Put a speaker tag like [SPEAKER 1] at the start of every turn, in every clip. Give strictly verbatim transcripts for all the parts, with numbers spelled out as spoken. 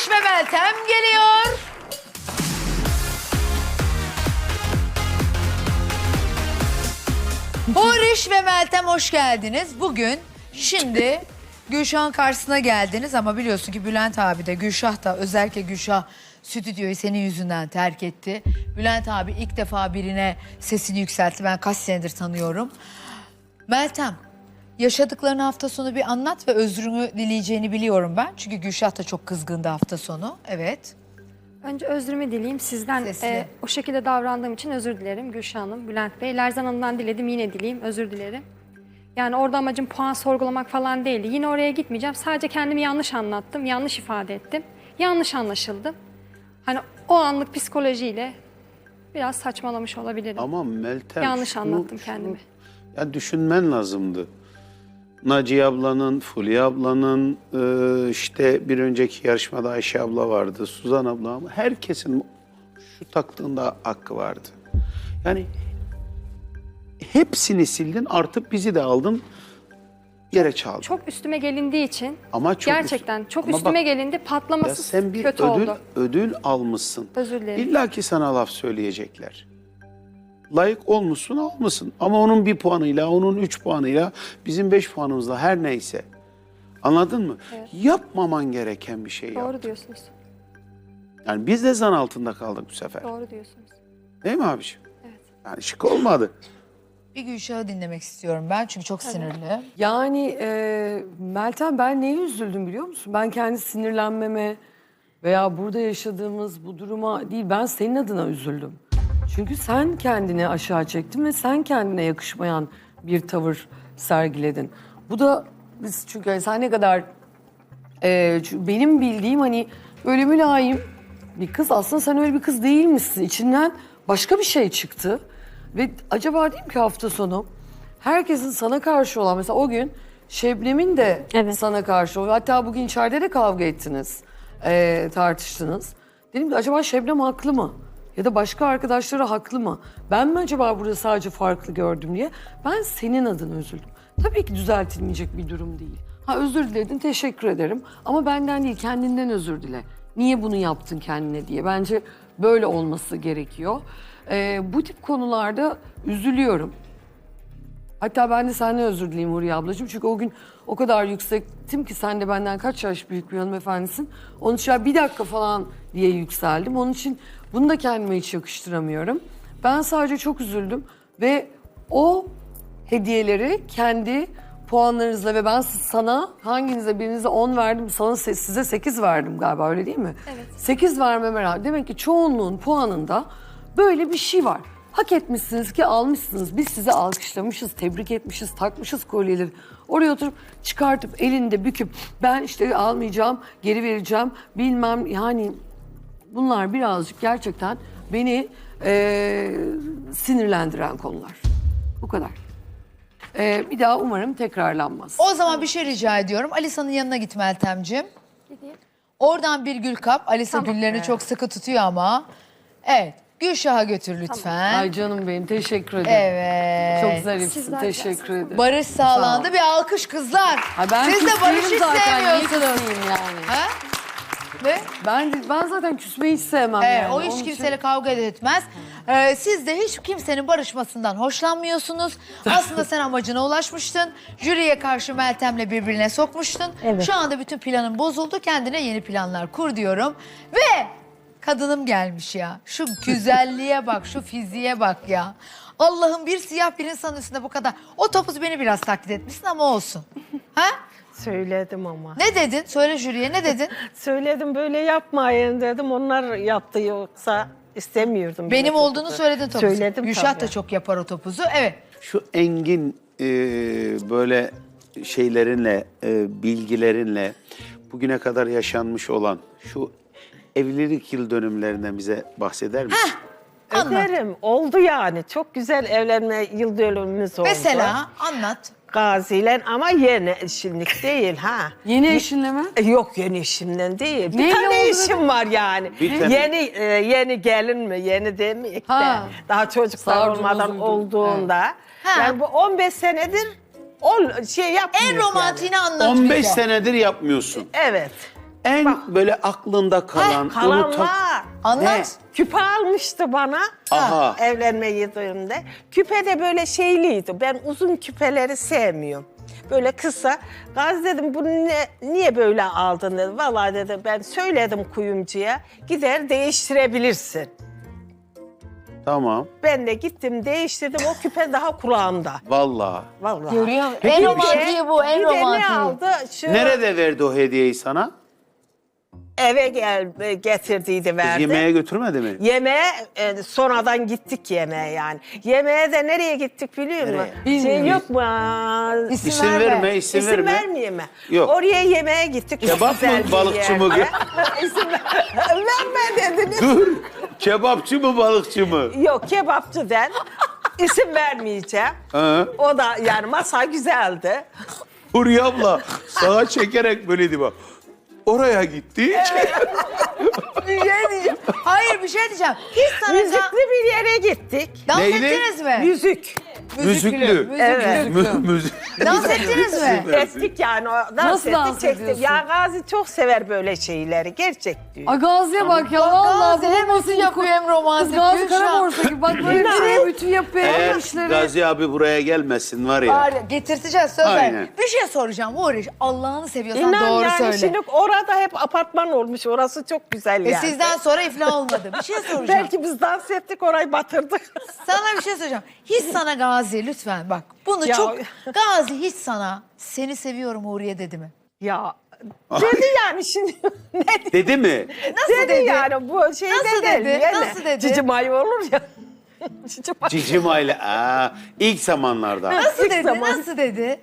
[SPEAKER 1] Barış ve Meltem geliyor. Barış ve Meltem hoş geldiniz. Bugün şimdi Gülşah'ın karşısına geldiniz ama biliyorsun ki Bülent abi de Gülşah da, özellikle Gülşah stüdyoyu senin yüzünden terk etti. Bülent abi ilk defa birine sesini yükseltti. Ben kaç senedir tanıyorum. Meltem, yaşadıklarını hafta sonu bir anlat ve özrünü dileyeceğini biliyorum ben. Çünkü Gülşah da çok kızgındı hafta sonu. Evet.
[SPEAKER 2] Önce özrümü dileyeyim. Sizden
[SPEAKER 1] Sesli.
[SPEAKER 2] e, o şekilde davrandığım için özür dilerim Gülşah Hanım, Bülent Bey. Lerzan Hanım'dan diledim, yine dileyeyim, özür dilerim. Yani orada amacım puan sorgulamak falan değildi. Yine oraya gitmeyeceğim. Sadece kendimi yanlış anlattım, yanlış ifade ettim. Yanlış anlaşıldım. Hani o anlık psikolojiyle biraz saçmalamış olabilirim.
[SPEAKER 3] Ama Meltem...
[SPEAKER 2] Yanlış
[SPEAKER 3] şunu,
[SPEAKER 2] anlattım
[SPEAKER 3] şunu,
[SPEAKER 2] kendimi.
[SPEAKER 3] Ya düşünmen lazımdı. Naciye ablanın, Fulya ablanın, e, işte bir önceki yarışmada Ayşe abla vardı, Suzan abla, ama herkesin şu taktığında hakkı vardı. Yani hepsini sildin, artık bizi de aldın, yere çaldın.
[SPEAKER 2] Çok üstüme gelindiği için
[SPEAKER 3] Ama çok
[SPEAKER 2] gerçekten
[SPEAKER 3] üst-
[SPEAKER 2] çok
[SPEAKER 3] Ama
[SPEAKER 2] üstüme
[SPEAKER 3] bak,
[SPEAKER 2] gelindi,
[SPEAKER 3] Ya
[SPEAKER 2] patlaması
[SPEAKER 3] sen bir
[SPEAKER 2] kötü
[SPEAKER 3] ödül,
[SPEAKER 2] oldu.
[SPEAKER 3] ödül almışsın.
[SPEAKER 2] Özür dilerim.
[SPEAKER 3] İlla ki sana laf söyleyecekler. Layık olmuşsun, almışsın. Ama onun bir puanıyla, onun üç puanıyla, bizim beş puanımızla, her neyse. Anladın mı?
[SPEAKER 2] Evet.
[SPEAKER 3] Yapmaman gereken bir şey
[SPEAKER 2] Doğru
[SPEAKER 3] yaptın.
[SPEAKER 2] diyorsunuz.
[SPEAKER 3] Yani biz de zan altında kaldık bu sefer.
[SPEAKER 2] Doğru diyorsunuz.
[SPEAKER 3] Değil mi abiciğim?
[SPEAKER 2] Evet.
[SPEAKER 3] Yani şık olmadı.
[SPEAKER 1] Bir Gülşah'ı dinlemek istiyorum ben çünkü çok sinirli.
[SPEAKER 4] Yani e, Meltem, ben neye üzüldüm biliyor musun? Ben kendi sinirlenmeme veya burada yaşadığımız bu duruma değil, ben senin adına üzüldüm. Çünkü sen kendini aşağı çektin ve sen kendine yakışmayan bir tavır sergiledin. Bu da biz, çünkü hani sen ne kadar e, çünkü benim bildiğim hani böyle mülayim bir kız, aslında sen öyle bir kız değilmişsin. İçinden başka bir şey çıktı. Ve acaba diyeyim ki hafta sonu herkesin sana karşı olan, mesela o gün Şebnem'in de
[SPEAKER 2] Evet.
[SPEAKER 4] sana karşı, hatta bugün içeride de kavga ettiniz, e, tartıştınız. Dedim ki acaba Şebnem haklı mı? Ya da başka arkadaşları haklı mı? Ben mi acaba burada sadece farklı gördüm diye. Ben senin adına üzüldüm. Tabii ki düzeltilmeyecek bir durum değil. Ha, özür diledin, teşekkür ederim. Ama benden değil, kendinden özür dile. Niye bunu yaptın kendine diye. Bence böyle olması gerekiyor. Ee, bu tip konularda üzülüyorum. Hatta ben de senden özür dileyim Huriye ablacığım. Çünkü o gün o kadar yüksektim ki, sen de benden kaç yaş büyük bir hanımefendisin. Onun için ya bir dakika falan diye yükseldim. Onun için bunu da kendime hiç yakıştıramıyorum. Ben sadece çok üzüldüm ve o hediyeleri kendi puanlarınızla, ve ben sana hanginize, birinize on verdim, sana size sekiz verdim galiba, öyle değil mi?
[SPEAKER 2] Evet.
[SPEAKER 4] sekiz vermeme rağmen demek ki çoğunluğun puanında böyle bir şey var. Hak etmişsiniz ki almışsınız. Biz sizi alkışlamışız, tebrik etmişiz, takmışız kolyeleri. Oraya oturup çıkartıp elinde büküp ben işte almayacağım, geri vereceğim bilmem, yani bunlar birazcık gerçekten beni eee, sinirlendiren konular. Bu kadar. Eee, bir daha umarım tekrarlanmaz.
[SPEAKER 1] O zaman bir şey rica ediyorum. Alisa'nın yanına git Meltemciğim.
[SPEAKER 2] Gideyim.
[SPEAKER 1] Oradan bir gül kap. Alisa
[SPEAKER 2] Tamam.
[SPEAKER 1] güllerini çok sıkı tutuyor ama. Evet. Gülşah'a götür lütfen.
[SPEAKER 4] Ay canım benim, teşekkür ederim.
[SPEAKER 1] Evet.
[SPEAKER 4] Çok zarifsin,
[SPEAKER 2] Sizler
[SPEAKER 4] teşekkür ederim.
[SPEAKER 1] Barış sağlandı. Bir alkış kızlar.
[SPEAKER 4] Ay ben
[SPEAKER 1] Siz de
[SPEAKER 4] küsmeyeyim
[SPEAKER 1] Barış'ı
[SPEAKER 4] zaten, niye
[SPEAKER 1] sevmiyorsunuz.
[SPEAKER 4] küsmeyeyim yani?
[SPEAKER 1] Ha? Ne?
[SPEAKER 4] Ben ben zaten küsmeyi hiç sevmem
[SPEAKER 1] Evet,
[SPEAKER 4] yani.
[SPEAKER 1] o hiç
[SPEAKER 4] Onun için-
[SPEAKER 1] kimseyle kavga etmez. Ee, siz de hiç kimsenin barışmasından hoşlanmıyorsunuz. Aslında sen amacına ulaşmıştın. Jüriye karşı Meltem'le birbirine sokmuştun. Şu anda bütün planın bozuldu. Kendine yeni planlar kur diyorum. Ve kadınım gelmiş ya. Şu güzelliğe bak, şu fiziğe bak ya. Allah'ım, bir siyah bir insanın üstünde bu kadar. O topuz beni biraz taklit etmişsin ama olsun. Ha?
[SPEAKER 5] Söyledim ama.
[SPEAKER 1] Ne dedin? Söyle jüriye, ne dedin?
[SPEAKER 5] Söyledim, böyle yapmayın dedim. Onlar yaptı, yoksa istemiyordum.
[SPEAKER 1] Benim
[SPEAKER 5] böyle
[SPEAKER 1] olduğunu
[SPEAKER 5] topuzu.
[SPEAKER 1] söyledin topuzu.
[SPEAKER 5] Söyledim
[SPEAKER 1] Gülşah
[SPEAKER 5] tabii.
[SPEAKER 1] da çok yapar o topuzu. Evet.
[SPEAKER 3] Şu engin e, böyle şeylerinle, e, bilgilerinle bugüne kadar yaşanmış olan şu evlilik yıl dönümlerinden bize bahseder misin?
[SPEAKER 1] Anlat.
[SPEAKER 5] Ederim. Oldu yani. Çok güzel evlenme yıl dönümümüz oldu.
[SPEAKER 1] Mesela anlat.
[SPEAKER 5] Gaziler, ama yeni eşimlik değil ha.
[SPEAKER 4] Yeni eşinle mi?
[SPEAKER 5] E, Yok, yeni eşimden değil. Bir
[SPEAKER 4] Neyle
[SPEAKER 5] tane
[SPEAKER 4] oldu
[SPEAKER 5] eşim var yani.
[SPEAKER 3] Bir tane.
[SPEAKER 5] Yeni e, yeni gelin mi? Yeni demeyek de.
[SPEAKER 4] Ha.
[SPEAKER 5] Daha çocuklar
[SPEAKER 4] Sardım,
[SPEAKER 5] olmadan
[SPEAKER 4] bozuldu.
[SPEAKER 5] olduğunda.
[SPEAKER 1] Ha.
[SPEAKER 5] Yani bu on beş senedir ol, şey yapmıyoruz
[SPEAKER 1] En romantiğini anlat
[SPEAKER 3] on beş
[SPEAKER 1] bize.
[SPEAKER 3] senedir yapmıyorsun.
[SPEAKER 5] Yani. Evet.
[SPEAKER 3] En böyle aklında kalan,
[SPEAKER 5] Kalan
[SPEAKER 3] unutan-
[SPEAKER 5] var.
[SPEAKER 1] Anlat.
[SPEAKER 5] Küpe almıştı bana.
[SPEAKER 3] Aha.
[SPEAKER 5] Evlenme yıllarında. Küpe de böyle şeyliydi. Ben uzun küpeleri sevmiyorum. Böyle kısa. Gaz dedim bunu ne, niye böyle aldın dedi. Vallahi dedim ben söyledim kuyumcuya. Gider değiştirebilirsin.
[SPEAKER 3] Tamam.
[SPEAKER 5] Ben de gittim değiştirdim. O küpe daha kulağımda.
[SPEAKER 3] Vallahi.
[SPEAKER 5] Vallahi.
[SPEAKER 1] Görüyor musun? En romantiği bu, en
[SPEAKER 5] Bir de ne
[SPEAKER 1] romantiği.
[SPEAKER 5] aldı? Şu
[SPEAKER 3] Nerede verdi o hediyeyi sana?
[SPEAKER 5] eve gel getirdiydi
[SPEAKER 3] Kız
[SPEAKER 5] verdi.
[SPEAKER 3] yemeğe götürmedi mi?
[SPEAKER 5] Yemeğe e, sonradan gittik yemeğe yani. Yemeğe de nereye gittik biliyor musun?
[SPEAKER 3] Nereye?
[SPEAKER 5] Şey yok mu? Aa,
[SPEAKER 1] İsim,
[SPEAKER 3] İsim
[SPEAKER 1] verme.
[SPEAKER 3] verme, isim,
[SPEAKER 5] İsim
[SPEAKER 3] verme.
[SPEAKER 5] vermeyeyim mi?
[SPEAKER 3] Yok.
[SPEAKER 5] Oraya yemeğe gittik. çok
[SPEAKER 3] Kebap
[SPEAKER 5] güzel
[SPEAKER 3] mı,
[SPEAKER 5] bir
[SPEAKER 3] balıkçı mı?
[SPEAKER 5] yerde. İsim ver- verme dediniz.
[SPEAKER 3] Dur. Kebapçı mı, balıkçı mı?
[SPEAKER 5] Yok kebapçı den. İsim vermeyeceğim.
[SPEAKER 3] Hı.
[SPEAKER 5] O da yani masa güzeldi.
[SPEAKER 3] Huriye abla sağa çekerek böyleydi bak. Oraya gitti.
[SPEAKER 1] Bir şey diyeceğim. Hayır bir şey diyeceğim. Hiç sana
[SPEAKER 5] Müzikli bir yere gittik.
[SPEAKER 1] dans
[SPEAKER 3] Neyli?
[SPEAKER 1] ettiniz mi?
[SPEAKER 5] Müzik.
[SPEAKER 3] Müzüklü.
[SPEAKER 1] Müzüklü.
[SPEAKER 5] Evet.
[SPEAKER 3] Mü- müzik.
[SPEAKER 1] Dans ettiniz mi?
[SPEAKER 5] Ettik yani. O, dans
[SPEAKER 4] Nasıl
[SPEAKER 5] ettik,
[SPEAKER 4] dans
[SPEAKER 5] çektik.
[SPEAKER 4] ediyorsun?
[SPEAKER 5] Ya Gazi çok sever böyle şeyleri. Gerçek diyor.
[SPEAKER 4] Ay Gazi'ye bak ya.
[SPEAKER 1] Bak
[SPEAKER 4] Vallahi
[SPEAKER 1] Gazi hem
[SPEAKER 4] bulunması
[SPEAKER 1] ütü yapıyor hem
[SPEAKER 4] Kız
[SPEAKER 1] romantik.
[SPEAKER 4] Gazi
[SPEAKER 1] Gülşah.
[SPEAKER 4] Karaborsa gibi. Bak böyle bir bütün yapıyor.
[SPEAKER 3] Eğer
[SPEAKER 4] Hem işleri.
[SPEAKER 3] Gazi abi buraya gelmesin var ya.
[SPEAKER 1] Var ya, getirteceğiz söz ver.
[SPEAKER 3] Aynen.
[SPEAKER 1] Bir şey soracağım Uğraş. Allah'ını seviyorsan
[SPEAKER 5] İnan
[SPEAKER 1] doğru
[SPEAKER 5] yani
[SPEAKER 1] söyle.
[SPEAKER 5] şimdi orada hep apartman olmuş. Orası çok güzel
[SPEAKER 1] E
[SPEAKER 5] yani.
[SPEAKER 1] sizden sonra iflah olmadı. Bir şey soracağım.
[SPEAKER 5] Belki biz dans ettik orayı batırdık.
[SPEAKER 1] Sana bir şey soracağım. Hiç sana Gazi lütfen bak. Bunu
[SPEAKER 5] Ya-
[SPEAKER 1] çok... Gazi hiç sana seni seviyorum Uğur'ye dedi mi?
[SPEAKER 5] Ya dedi yani şimdi ne dedi?
[SPEAKER 3] Dedi mi?
[SPEAKER 1] Nasıl
[SPEAKER 5] dedi,
[SPEAKER 1] dedi?
[SPEAKER 5] yani bu şey
[SPEAKER 1] Nasıl
[SPEAKER 5] de değil.
[SPEAKER 1] dedi?
[SPEAKER 5] Yani.
[SPEAKER 1] Nasıl dedi?
[SPEAKER 5] Cici may olur ya. Cici may.
[SPEAKER 3] Cicim aile. Aa, ilk zamanlarda.
[SPEAKER 1] Nasıl
[SPEAKER 5] İlk
[SPEAKER 1] dedi?
[SPEAKER 5] zaman.
[SPEAKER 1] Nasıl dedi?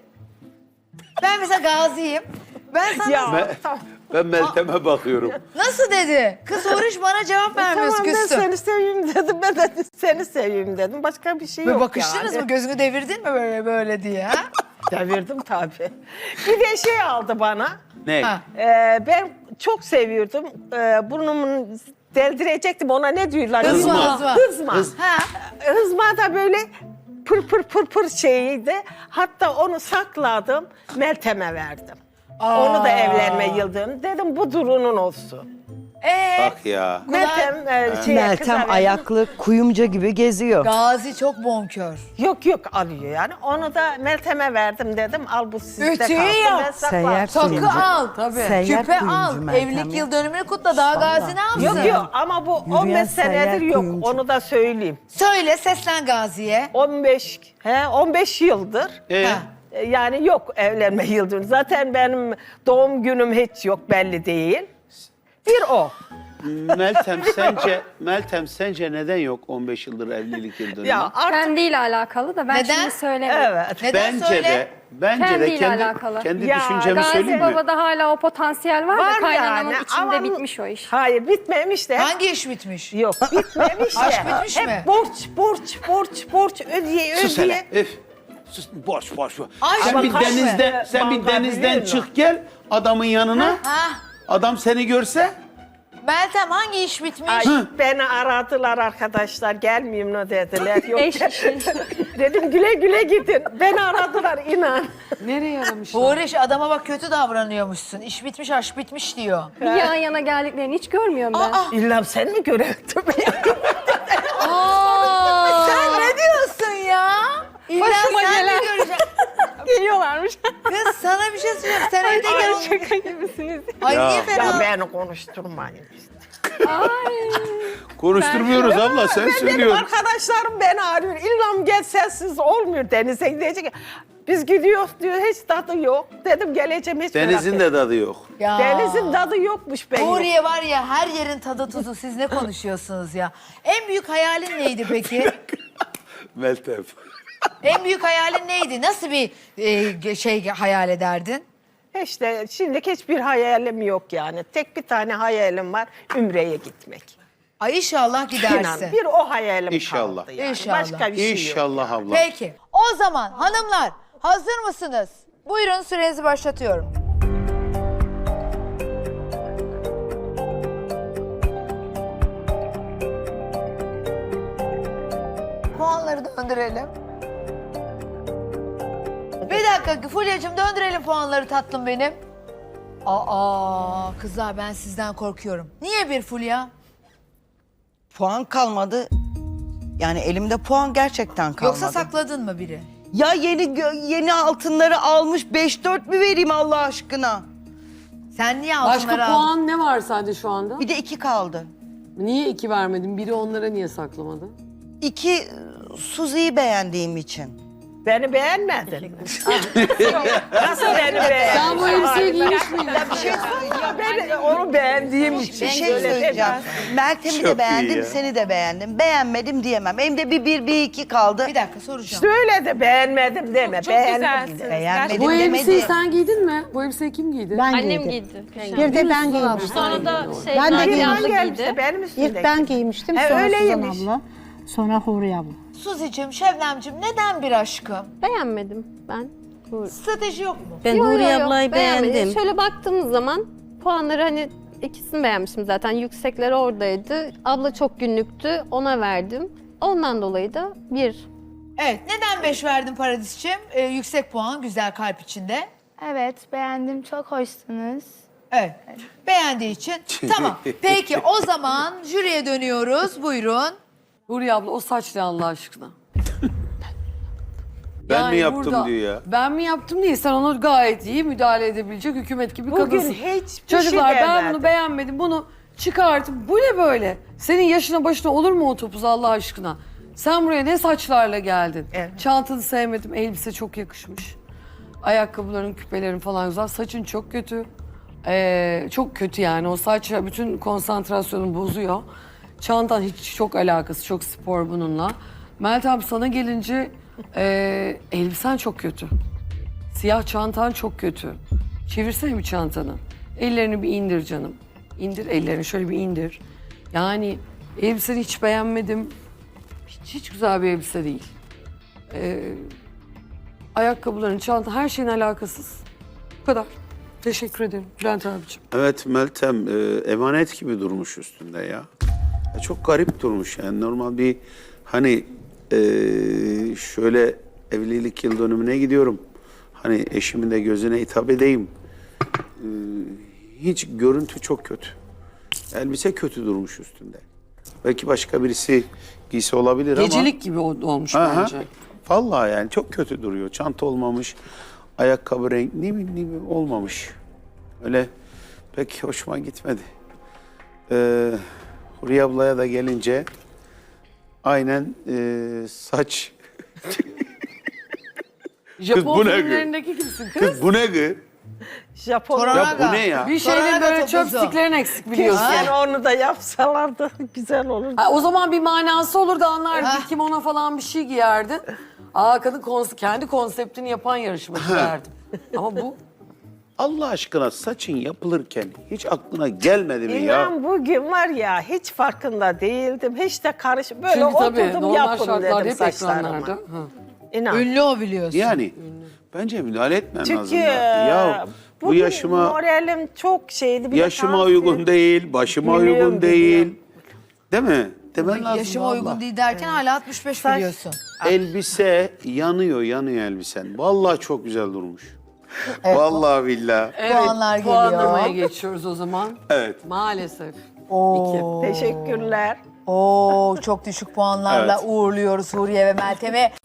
[SPEAKER 1] Ben mesela Gazi'yim. Ben sana
[SPEAKER 5] Ya
[SPEAKER 3] Ben,
[SPEAKER 5] tamam.
[SPEAKER 3] ben Meltem'e bakıyorum.
[SPEAKER 1] nasıl dedi? Kız Uğraş bana cevap vermiyorsun
[SPEAKER 5] Tamam ben
[SPEAKER 1] küstüm.
[SPEAKER 5] seni seveyim dedim. Ben de seni seveyim dedim. Başka bir şey
[SPEAKER 1] Böyle
[SPEAKER 5] yok
[SPEAKER 1] bakıştınız
[SPEAKER 5] yani.
[SPEAKER 1] mı? Gözünü devirdin mi böyle böyle diye ha?
[SPEAKER 5] Devirdim tabii. Bir de şey aldı bana.
[SPEAKER 3] Ne?
[SPEAKER 1] Ha.
[SPEAKER 5] Ee, ben çok seviyordum. Ee, burnumu deldirecektim. Ona ne diyorlar?
[SPEAKER 1] Hızma, hızma.
[SPEAKER 5] Hızma.
[SPEAKER 3] Hız-
[SPEAKER 1] Ha?
[SPEAKER 5] Hızma da böyle pır pır pır pır şeyiydi. Hatta onu sakladım. Meltem'e verdim. Onu da evlenme yıldönümü. Dedim bu durunun olsun.
[SPEAKER 1] Ee,
[SPEAKER 3] Bak ya.
[SPEAKER 5] Meltem e, şeye, kıza
[SPEAKER 6] Meltem
[SPEAKER 5] verdim.
[SPEAKER 6] ayaklı kuyumcu gibi geziyor.
[SPEAKER 1] Gazi çok bonkör.
[SPEAKER 5] Yok yok alıyor yani. Onu da Meltem'e verdim dedim. Al bu sizde
[SPEAKER 1] Ütüyü
[SPEAKER 5] kalsın.
[SPEAKER 1] yap.
[SPEAKER 5] Ben saklarım.
[SPEAKER 6] Seyyar
[SPEAKER 1] Takı
[SPEAKER 6] kuyumcu.
[SPEAKER 1] al.
[SPEAKER 6] Seyyar
[SPEAKER 1] Küpe
[SPEAKER 6] kuyumcu
[SPEAKER 1] al.
[SPEAKER 6] Meltem
[SPEAKER 1] Evlilik
[SPEAKER 6] ya.
[SPEAKER 1] yıl dönümünü kutla. Daha Gazi ne yapsın?
[SPEAKER 5] Yok yok ama bu on beş
[SPEAKER 6] seyyar
[SPEAKER 5] senedir yok.
[SPEAKER 6] kuyumcu.
[SPEAKER 5] Onu da söyleyeyim.
[SPEAKER 1] Söyle seslen Gazi'ye.
[SPEAKER 5] on beş he on beş yıldır.
[SPEAKER 3] Ee,
[SPEAKER 1] Ha.
[SPEAKER 5] E, Yani yok evlenme yıldönümü. Zaten benim doğum günüm hiç yok belli değil. Bir o.
[SPEAKER 3] Meltem sence Meltem sence neden yok on beş yıldır evlilik yıl dönümü?
[SPEAKER 5] Ya artık
[SPEAKER 2] Kendiyle alakalı da ben
[SPEAKER 1] Neden?
[SPEAKER 2] şimdi söylemiyorum.
[SPEAKER 5] evet.
[SPEAKER 1] Neden
[SPEAKER 3] bence
[SPEAKER 1] söyle?
[SPEAKER 3] de bence de
[SPEAKER 2] Kendiyle
[SPEAKER 3] kendi
[SPEAKER 2] alakalı.
[SPEAKER 3] kendi
[SPEAKER 5] Ya,
[SPEAKER 3] düşüncemi
[SPEAKER 2] Gazi
[SPEAKER 3] söyleyeyim mi?
[SPEAKER 2] Baba'da hala o potansiyel var,
[SPEAKER 5] Var
[SPEAKER 2] da kaynanamın
[SPEAKER 5] yani,
[SPEAKER 2] içinde
[SPEAKER 5] ama-
[SPEAKER 2] bitmiş o iş.
[SPEAKER 5] Hayır bitmemiş de.
[SPEAKER 1] Hangi iş bitmiş?
[SPEAKER 5] Yok bitmemiş de.
[SPEAKER 1] Aşk bitmiş
[SPEAKER 5] Hep
[SPEAKER 1] mi?
[SPEAKER 5] borç borç borç borç ödeye
[SPEAKER 3] Sus
[SPEAKER 5] ödeye.
[SPEAKER 3] hele. Öf. Sus boş boş. boş.
[SPEAKER 1] Ay,
[SPEAKER 3] sen
[SPEAKER 1] ama
[SPEAKER 3] bir
[SPEAKER 1] kaç
[SPEAKER 3] denizden
[SPEAKER 5] mı?
[SPEAKER 3] sen bir
[SPEAKER 5] Vallahi
[SPEAKER 3] denizden
[SPEAKER 5] biliyor musun?
[SPEAKER 3] çık gel adamın yanına.
[SPEAKER 1] Ha?
[SPEAKER 3] Adam seni görse
[SPEAKER 1] Meltem hangi iş bitmiş?
[SPEAKER 5] Ay, beni aradılar arkadaşlar gelmeyeyim mi dediler. Yok
[SPEAKER 2] Eş işi.
[SPEAKER 5] dedim güle güle gidin. Beni aradılar inan.
[SPEAKER 4] Nereye yaramışlar?
[SPEAKER 1] Uğraş adama bak kötü davranıyormuşsun. İş bitmiş aşk bitmiş diyor.
[SPEAKER 2] Bir yan yana geldiklerini hiç görmüyorum ben.
[SPEAKER 5] İlla sen mi görevdin?
[SPEAKER 1] Aa, sen ne diyorsun ya? İlla
[SPEAKER 2] Başıma
[SPEAKER 1] sen
[SPEAKER 2] gelen.
[SPEAKER 1] mi göreceksin?
[SPEAKER 2] Geliyorlarmış.
[SPEAKER 1] Kız sana bir şey söyleyeyim. Sen evde
[SPEAKER 2] Ay
[SPEAKER 1] gel.
[SPEAKER 2] şaka gibisiniz.
[SPEAKER 1] Ay
[SPEAKER 3] Ya.
[SPEAKER 1] niye
[SPEAKER 5] Ya
[SPEAKER 1] fena?
[SPEAKER 5] beni konuşturmayın.
[SPEAKER 3] konuşturmuyoruz abla sen
[SPEAKER 5] Ben dedim
[SPEAKER 3] söylüyorsun.
[SPEAKER 5] arkadaşlarım beni arıyor. İllam gel sensiz olmuyor denize gidecek. Biz gidiyoruz diyor hiç tadı yok. Dedim geleceğim hiç merak
[SPEAKER 3] Denizin
[SPEAKER 5] etme.
[SPEAKER 3] de tadı yok.
[SPEAKER 1] Ya.
[SPEAKER 5] Denizin tadı yokmuş be.
[SPEAKER 1] Nuriye var ya her yerin tadı tuzu. Siz ne konuşuyorsunuz ya? En büyük hayalin neydi peki?
[SPEAKER 3] Meltem.
[SPEAKER 1] En büyük hayalin neydi? Nasıl bir e, şey hayal ederdin?
[SPEAKER 5] İşte şimdilik hiçbir hayalim yok yani. Tek bir tane hayalim var Ümre'ye gitmek.
[SPEAKER 1] Ay inşallah gidersin.
[SPEAKER 5] İnan bir o hayalim
[SPEAKER 3] İnşallah.
[SPEAKER 5] kaldı yani.
[SPEAKER 1] İnşallah.
[SPEAKER 5] Başka bir şey yok.
[SPEAKER 3] İnşallah abla.
[SPEAKER 1] Peki. O zaman hanımlar hazır mısınız? Buyurun sürenizi başlatıyorum. Puanları döndürelim. Bir dakika Fulya'cığım döndürelim puanları tatlım benim. Aa kızlar ben sizden korkuyorum. Niye bir Fulya?
[SPEAKER 6] Puan kalmadı. Yani elimde puan gerçekten kalmadı.
[SPEAKER 1] Yoksa sakladın mı biri?
[SPEAKER 6] Ya yeni gö- yeni altınları almış beş dört mü vereyim Allah aşkına?
[SPEAKER 1] Sen niye
[SPEAKER 4] Başka
[SPEAKER 1] altınları aldın?
[SPEAKER 4] puan ne var sende şu anda?
[SPEAKER 6] Bir de iki kaldı.
[SPEAKER 4] Niye iki vermedin? Biri onlara niye saklamadın?
[SPEAKER 6] İki e, Suzi'yi beğendiğim için.
[SPEAKER 5] Beni beğenmedin. Nasıl beni beğendin?
[SPEAKER 4] Sen bu elbiseyi giymiş miydin?
[SPEAKER 6] Bir şey söyleyeceğim.
[SPEAKER 5] Ben onu beğendiğim
[SPEAKER 6] Bir
[SPEAKER 5] için.
[SPEAKER 6] şey söyleyeceğim. Meltem'i
[SPEAKER 3] Çok
[SPEAKER 6] de
[SPEAKER 3] iyi
[SPEAKER 6] beğendim,
[SPEAKER 3] ya.
[SPEAKER 6] seni de beğendim. Beğenmedim diyemem. Elimde bir bir, bir iki kaldı.
[SPEAKER 1] Bir dakika soracağım.
[SPEAKER 5] Söyle de beğenmedim deme.
[SPEAKER 7] Çok
[SPEAKER 5] beğendim
[SPEAKER 7] güzelsiniz.
[SPEAKER 5] de.
[SPEAKER 6] Beğenmedim
[SPEAKER 4] Bu elbiseyi
[SPEAKER 6] demedi.
[SPEAKER 4] sen giydin mi? Bu elbiseyi kim giydi?
[SPEAKER 8] Ben
[SPEAKER 7] Annem
[SPEAKER 8] giydim.
[SPEAKER 7] giydi.
[SPEAKER 8] Bir de ben giymiştim.
[SPEAKER 7] Sonra da şey
[SPEAKER 8] Ben de
[SPEAKER 7] Naciye
[SPEAKER 8] giydim.
[SPEAKER 7] abla
[SPEAKER 5] Hangi elbise?
[SPEAKER 7] giydi.
[SPEAKER 5] Benim üstümdeki.
[SPEAKER 8] İlk ben giymiştim,
[SPEAKER 5] He,
[SPEAKER 8] sonra
[SPEAKER 5] öyleymiş.
[SPEAKER 8] Suzan abla, sonra Huriye abla.
[SPEAKER 1] Suzi'cim, Şebnem'cim neden bir aşkım?
[SPEAKER 7] Beğenmedim ben. Bu-
[SPEAKER 1] Strateji yok mu?
[SPEAKER 9] Ben
[SPEAKER 7] Yo, yo,
[SPEAKER 9] Huriye
[SPEAKER 7] yo,
[SPEAKER 9] ablayı
[SPEAKER 7] beğenmedim.
[SPEAKER 9] beğendim.
[SPEAKER 7] Şöyle baktığımız zaman puanları hani ikisini beğenmiştim zaten. Yüksekleri oradaydı. Abla çok günlüktü. Ona verdim. Ondan dolayı da bir.
[SPEAKER 1] Evet, neden beş verdin Paradis'ciğim? Ee, yüksek puan, güzel kalp içinde.
[SPEAKER 10] Evet, beğendim. Çok hoşsunuz.
[SPEAKER 1] Evet, beğendiği için. Tamam, peki o zaman jüriye dönüyoruz. Buyurun.
[SPEAKER 4] Huriye abla o saç ne Allah aşkına?
[SPEAKER 3] Ben
[SPEAKER 4] Yani
[SPEAKER 3] mi yaptım
[SPEAKER 4] burada,
[SPEAKER 3] diyor ya.
[SPEAKER 4] Ben mi yaptım değil. Sen onu gayet iyi müdahale edebilecek hükümet gibi
[SPEAKER 5] Bugün
[SPEAKER 4] kadınsın.
[SPEAKER 5] hiçbir
[SPEAKER 4] Çocuklar
[SPEAKER 5] şey
[SPEAKER 4] ben
[SPEAKER 5] demedim.
[SPEAKER 4] bunu beğenmedim. Bunu çıkartın. Bu ne böyle? Senin yaşına başına olur mu o topuz Allah aşkına? Sen buraya ne saçlarla geldin?
[SPEAKER 5] Evet.
[SPEAKER 4] Çantanı sevmedim. Elbise çok yakışmış. Ayakkabıların, küpelerin falan güzel. Saçın çok kötü. Ee, çok kötü yani. O saç bütün konsantrasyonu bozuyor. Çantan hiç çok alakası. Çok spor bununla. Meltem sana gelince e, elbisen çok kötü. Siyah çantan çok kötü. Çevirsene bir çantanı. Ellerini bir indir canım. İndir ellerini şöyle bir indir. Yani elbiseni hiç beğenmedim. Hiç, hiç güzel bir elbise değil. Ee, ayakkabıların, çanta her şeyin alakasız. Bu kadar. Teşekkür ederim Bülent abiciğim.
[SPEAKER 3] Evet Meltem e, emanet gibi durmuş üstünde ya. Ya çok garip durmuş yani normal bir hani e, şöyle evlilik yıl dönümüne gidiyorum. Hani eşimin de gözüne hitap edeyim. E, hiç görüntü çok kötü. Elbise kötü durmuş üstünde. Belki başka birisi giysi olabilir ama.
[SPEAKER 4] Gecelik gibi ol- olmuş
[SPEAKER 3] Aha.
[SPEAKER 4] bence.
[SPEAKER 3] Vallahi yani çok kötü duruyor. Çanta olmamış, ayakkabı renk ne bileyim ne bileyim olmamış. Öyle pek hoşuma gitmedi. Ee, Huriye ablaya da gelince aynen e, saç.
[SPEAKER 4] Japon
[SPEAKER 3] bu ne
[SPEAKER 4] filmlerindeki kimsin kız?
[SPEAKER 3] Kız bu ne gı?
[SPEAKER 5] Japon.
[SPEAKER 1] Toranaga.
[SPEAKER 3] Ya bu ne ya?
[SPEAKER 4] Bir şeylerin
[SPEAKER 1] Toranaga
[SPEAKER 4] böyle
[SPEAKER 1] topuzu.
[SPEAKER 4] chopsticklerin eksik biliyorsun.
[SPEAKER 5] Yani onu da yapsalardı güzel olurdu.
[SPEAKER 4] Ha, o zaman bir manası olurdu anlardık. Kim ona falan bir şey giyerdi. Aa kadın kons- kendi konseptini yapan yarışmacı derdim. Ama bu
[SPEAKER 3] Allah aşkına saçın yapılırken hiç aklına gelmedi mi ya?
[SPEAKER 5] İnan bugün var ya hiç farkında değildim. Hiç de karış böyle
[SPEAKER 4] çünkü tabii
[SPEAKER 5] oturdum
[SPEAKER 4] normal
[SPEAKER 5] yapın
[SPEAKER 4] şartlarda
[SPEAKER 5] dedim
[SPEAKER 4] hep
[SPEAKER 5] saçlarıma.
[SPEAKER 4] ekranlarda. Ha.
[SPEAKER 5] İnan.
[SPEAKER 1] Ünlü o biliyorsun.
[SPEAKER 3] Yani bence müdahale etmen
[SPEAKER 5] Çünkü
[SPEAKER 3] lazım. Ya, ya bu
[SPEAKER 5] bugün
[SPEAKER 3] yaşıma
[SPEAKER 5] moralim çok şeydi. Bir de
[SPEAKER 3] yaşıma
[SPEAKER 5] tansiyon-
[SPEAKER 3] uygun değil, başıma
[SPEAKER 5] Biliyorum,
[SPEAKER 3] uygun değil.
[SPEAKER 5] biliyorum.
[SPEAKER 3] Değil mi? Demen lazım
[SPEAKER 1] Yaşıma
[SPEAKER 3] vallahi.
[SPEAKER 1] uygun değil derken hala altmış beş
[SPEAKER 5] Saç-
[SPEAKER 1] biliyorsun.
[SPEAKER 3] Elbise yanıyor, yanıyor elbisen. Vallahi çok güzel durmuş. Vallahi billahi.
[SPEAKER 1] Puanlar geliyor.
[SPEAKER 4] Puanlamaya geçiyoruz o zaman.
[SPEAKER 3] Evet.
[SPEAKER 4] Maalesef.
[SPEAKER 1] Oo.
[SPEAKER 5] Teşekkürler.
[SPEAKER 1] Oo, çok düşük puanlarla
[SPEAKER 3] Evet.
[SPEAKER 1] uğurluyoruz Huriye ve Meltem'i.